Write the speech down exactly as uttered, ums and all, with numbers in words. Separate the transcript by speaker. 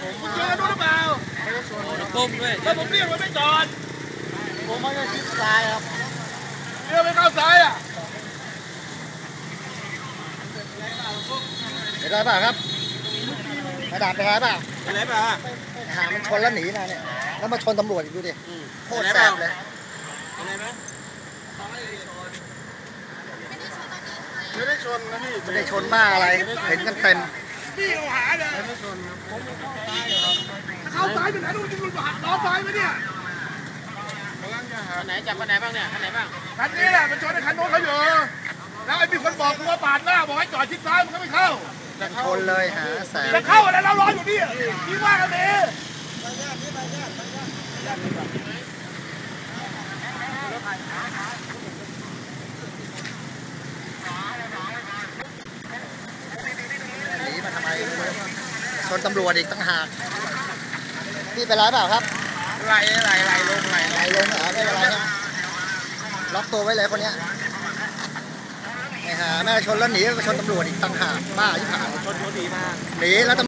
Speaker 1: คุณชนกันรู้หรือเปล่าก้มด้วยแล้วผมเรียกมันไม่จอดผมไม่ได้ชิดซ้ายครับเรียกไปเข้าซ้ายอ่ะ
Speaker 2: เป็นไรเปล่าครับกระดาษเป็นไรเปล่า
Speaker 1: เป็นไรเปล่า
Speaker 2: หามันชนแล้วหนีนะเนี่ยแล้วมาชนตำรวจอีกดูดิโคตรแสบเลย
Speaker 1: เป็นไรไหมไม่ได้ชนนะพี่
Speaker 2: ไม่ได้ชนบ้าอะไรเห็นกันเต็ม
Speaker 1: พี่เอาหาเลยไม่ชนผมเข้าซ้ายไปไหนดูจริงๆหักล้อซ้ายไหมเนี่ยคันไหนจับคันไหนบ้างเนี่ยคันไหนบ้างคันนี้แหละมันชนในคันโน้นเขาอยู่แล้วไอ้มีคนบอกกูว่าปาดหน้าบอกให้จอดชิดซ้ายมันก็ไม่เข้า
Speaker 2: ชนเลยหาแสบ
Speaker 1: จะเข้าอะไรเรารออยู่นี่พี่ว่ากันเอง
Speaker 2: หนีมาทำไมชนตำรวจอีกตั้งหากพี่เป็นไรเปล่าครับ
Speaker 1: ไหลไหลไหลลงไหล
Speaker 2: ไหลลงเหรอไม่เป็นไรครับล็อกตัวไว้เลยคนเนี้ยไอ้ห่าแม่ชนแล้วหนีชนตำรวจอีกตั้งหากบ้าที่ผ่าน
Speaker 1: ชนเขาดีมาก
Speaker 2: หนีแล้ว